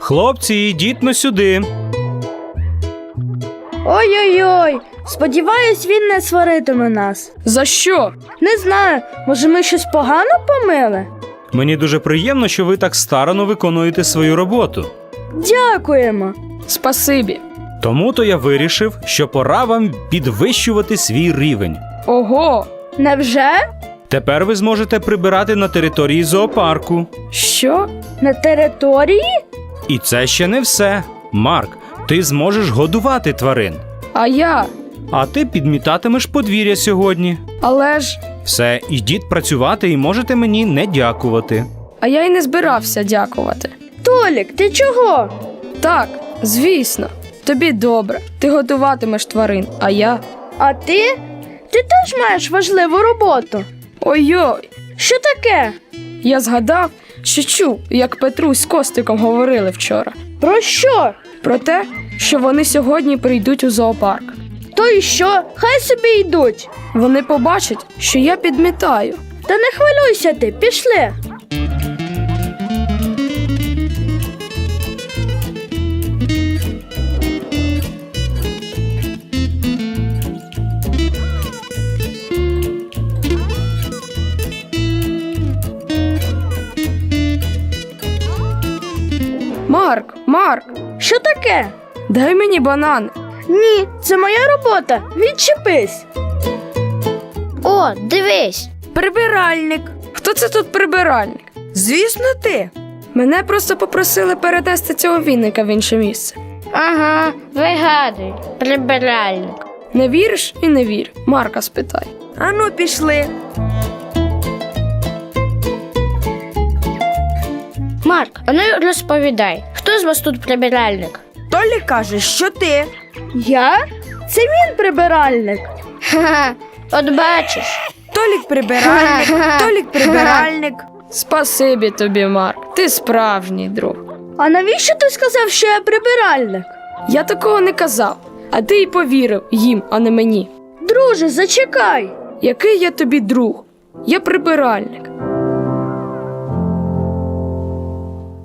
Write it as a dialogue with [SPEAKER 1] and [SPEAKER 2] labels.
[SPEAKER 1] Хлопці, ідіть но сюди.
[SPEAKER 2] Ой-ой-ой, сподіваюсь, він не сваритиме нас.
[SPEAKER 3] За що?
[SPEAKER 2] Не знаю, може ми щось погано помили?
[SPEAKER 1] Мені дуже приємно, що ви так старанно виконуєте свою роботу.
[SPEAKER 2] Дякуємо.
[SPEAKER 3] Спасибі.
[SPEAKER 1] Тому-то я вирішив, що пора вам підвищувати свій рівень.
[SPEAKER 3] Ого!
[SPEAKER 2] Невже?
[SPEAKER 1] Тепер ви зможете прибирати на території зоопарку.
[SPEAKER 3] Що?
[SPEAKER 2] На території?
[SPEAKER 1] І це ще не все. Марк, ти зможеш годувати тварин.
[SPEAKER 3] А я?
[SPEAKER 1] А ти підмітатимеш подвір'я сьогодні.
[SPEAKER 3] Але ж...
[SPEAKER 1] Все, ідіть працювати і можете мені не дякувати.
[SPEAKER 3] А я й не збирався дякувати.
[SPEAKER 2] Толік, ти чого?
[SPEAKER 3] Так, звісно. Тобі добре. Ти годуватимеш тварин, а я...
[SPEAKER 2] А ти? Ти теж маєш важливу роботу.
[SPEAKER 3] Ой-ой!
[SPEAKER 2] Що таке?
[SPEAKER 3] Я згадав, що чув, як Петрусь з Костиком говорили вчора.
[SPEAKER 2] Про що?
[SPEAKER 3] Про те, що вони сьогодні прийдуть у зоопарк.
[SPEAKER 2] То й що? Хай собі йдуть.
[SPEAKER 3] Вони побачать, що я підмітаю.
[SPEAKER 2] Та не хвилюйся ти, пішли.
[SPEAKER 3] Марк,
[SPEAKER 2] Що таке?
[SPEAKER 3] дай мені банан.
[SPEAKER 2] Ні, це моя робота. Відчепись.
[SPEAKER 4] О, дивись.
[SPEAKER 2] Прибиральник.
[SPEAKER 3] Хто це тут прибиральник?
[SPEAKER 2] Звісно, ти.
[SPEAKER 3] Мене просто попросили перенести цього вінника в інше місце.
[SPEAKER 4] Ага, вигадуй, прибиральник.
[SPEAKER 3] Не віриш і не вір. Марка спитай.
[SPEAKER 2] Ану, пішли.
[SPEAKER 4] Марк, а ну розповідай, хто з вас тут прибиральник?
[SPEAKER 2] Толік каже, що ти. Я? Це він прибиральник.
[SPEAKER 4] Ха-ха, от бачиш.
[SPEAKER 2] Толік прибиральник, Толік прибиральник.
[SPEAKER 3] Спасибі тобі, Марк. Ти справжній друг.
[SPEAKER 2] А навіщо ти сказав, що я прибиральник?
[SPEAKER 3] Я такого не казав, а ти й повірив їм, а не мені.
[SPEAKER 2] Друже, зачекай.
[SPEAKER 3] Який я тобі друг? Я прибиральник.